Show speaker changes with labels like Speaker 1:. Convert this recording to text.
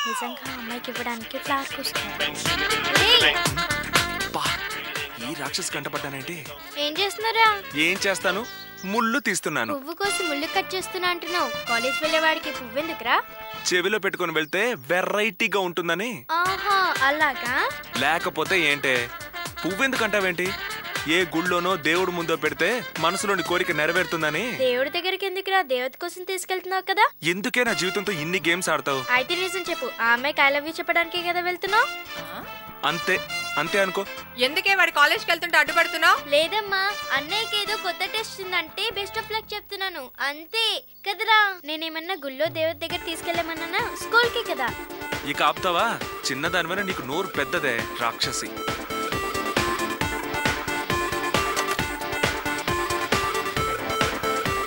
Speaker 1: నిజంగా అమ్మాయికి ఇవ్వడానికి ఫ్లవర్ పూస్తారు.
Speaker 2: ఈ రాక్షసి కంటపడ్డానంటే
Speaker 1: ఏం చేస్తున్నారా?
Speaker 2: ఏం చేస్తాను, ముళ్ళు తీస్తున్నాను.
Speaker 1: పువ్వు కోసి ముళ్ళు కట్ చేస్తున్నా అంటున్నావు. కాలేజ్ వెళ్ళేవాడికి పువ్వు ఎందుకురా?
Speaker 2: చెవిలో పెట్టుకుని వెళ్తే వెరైటీగా ఉంటుందని.
Speaker 1: ఆహా అలాగా.
Speaker 2: లేకపోతే ఏంటే, పువ్వెందుకంటావేంటి? ఏ గుళ్ళోనో దేవుడు ముందో పెడితే మనసులోని కోరిక నెరవేరుతుందని.
Speaker 1: దేవుడి దగ్గరికి ఎందుకురా? దేవత కోసం తీసుకెళ్తున్నావు కదా.
Speaker 2: ఎందుకే నా జీవితంతో ఇన్ని గేమ్స్ ఆడతావు?
Speaker 1: అయితే నిజం చెప్పు, ఆ అమ్మాయికి ఐ లవ్ యూ చెప్పడానికే కదా వెళ్తున్నావు?
Speaker 2: అంతే అంతే అనుకో.
Speaker 3: ఎందుకే వాడి కాలేజ్కి వెళ్తుంటే అడ్డుపడుతున్నావు?
Speaker 1: లేదమ్మా, అన్నయ్యకి ఏదో కొత్త టెస్ట్ ఉందంటే బెస్ట్ ఆఫ్ లక్ చెప్తున్నాను అంతే కదరా. నేనేమన్నా గుళ్ళో దేవత దగ్గర తీసుకెళ్ళమన్నా? స్కూల్ కి కదా.
Speaker 2: ఇక ఆపుతావా? చిన్నదానివైనా నీకు నోరు పెద్దదే రాక్షసి.